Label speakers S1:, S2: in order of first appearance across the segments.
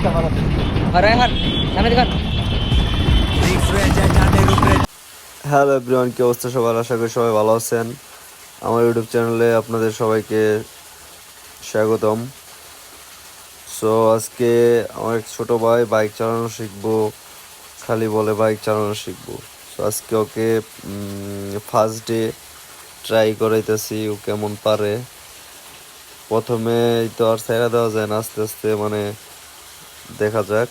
S1: Hello everyone, কি অবস্থা সবার? আশা করি সবাই ভালো আছেন। আমার ইউটিউব চ্যানেলে আপনাদের সবাইকে স্বাগতম। সো আজকে আমার এক ছোটো ভাই বাইক চালানো শিখবো, খালি বলে বাইক চালানো শিখবো। সো আজকে ওকে ফার্স্ট ডে ট্রাই করাইতেছি ও কেমন পারে। প্রথমে তো আর ছেড়ে দেওয়া যায় না, আস্তে আস্তে মানে দেখা যাক।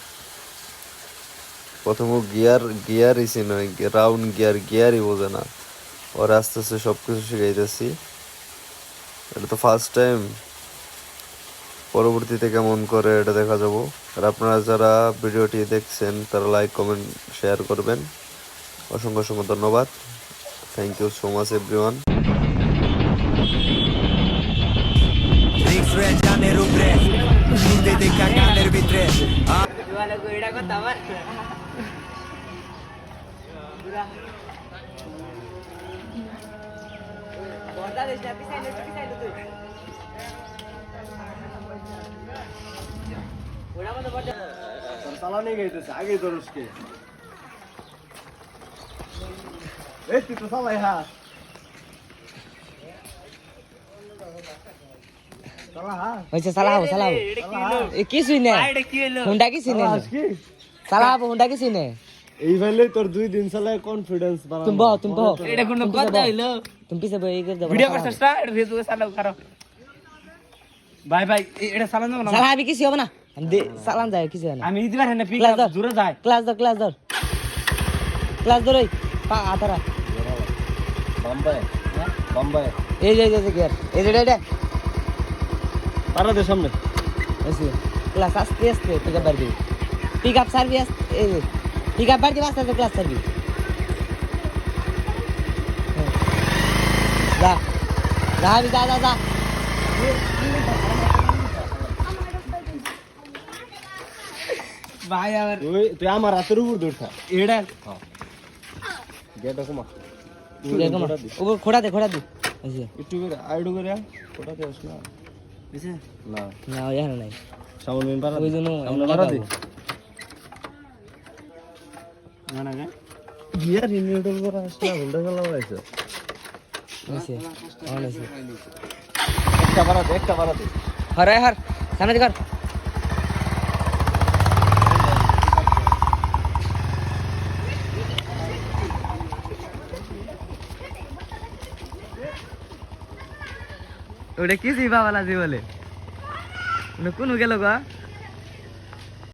S1: প্রথম গিয়ারই নয়, রাউন্ড গিয়ারই বোঝে না। ওর আস্তে আস্তে সব কিছু শিখাইতেছি। এটা তো ফার্স্ট টাইম, পরবর্তীতে কেমন করে এটা দেখা যাবো। আর আপনারা যারা ভিডিওটি দেখছেন তারা লাইক কমেন্ট শেয়ার করবেন। অসংখ্য অসংখ্য ধন্যবাদ। Thank you so much everyone.
S2: চালানি গাইতেছে আগে দরজকে এই তুই তো চালাই হ্যাঁ
S3: চালাও কিছুই নেই হুন্ডা কিছুই নেই চালাবো হুন্ডা কিছুই নেই
S2: এই ভাইলে তোর 2 দিন চালায় কনফিডেন্স বাড়ানো
S3: তুমি বহ এটা কোন কথা হইলো তুমি পিছে বই করে দাও ভিডিও করছস না এটা ফেসবুকে চালাও করো ভাই এটা চালান না চালাবি কিছু হবে না আমি চালান যায় কিছু না আমি দিবার না পিক জোরে যায় ক্লাস ধর ওই পা আতারা
S2: বাম্বাই
S3: এই যে গিয়ার এই যে এটা
S2: পারা দে সামনে
S3: এসে ক্লাস আস্তে পিক আপ বার দিই পিক আপ সার্ভিস এই যে পিক আপ বার দিই আস্তে ক্লাস সার্ভিস যা ভাই আবার
S2: তুই আমার হাতের উপর দৌড়া
S3: এটা
S2: গেট কমা
S3: উপর খোড়া দে
S2: একটু করে আইডু করে ওটা দেস না
S3: বুঝছে
S2: না
S3: না ওই আর নাই
S2: সাউন্ড মেন পারা
S3: ওই জন্য
S2: আমরা পারা দি না গিয়ার রিনিউডল করা আসলে হুন্ডা চালানো হইছে একটা পারা দে
S3: হর সামনে কর ওটা কি জিবা वाला জি বলে কোন গেল গা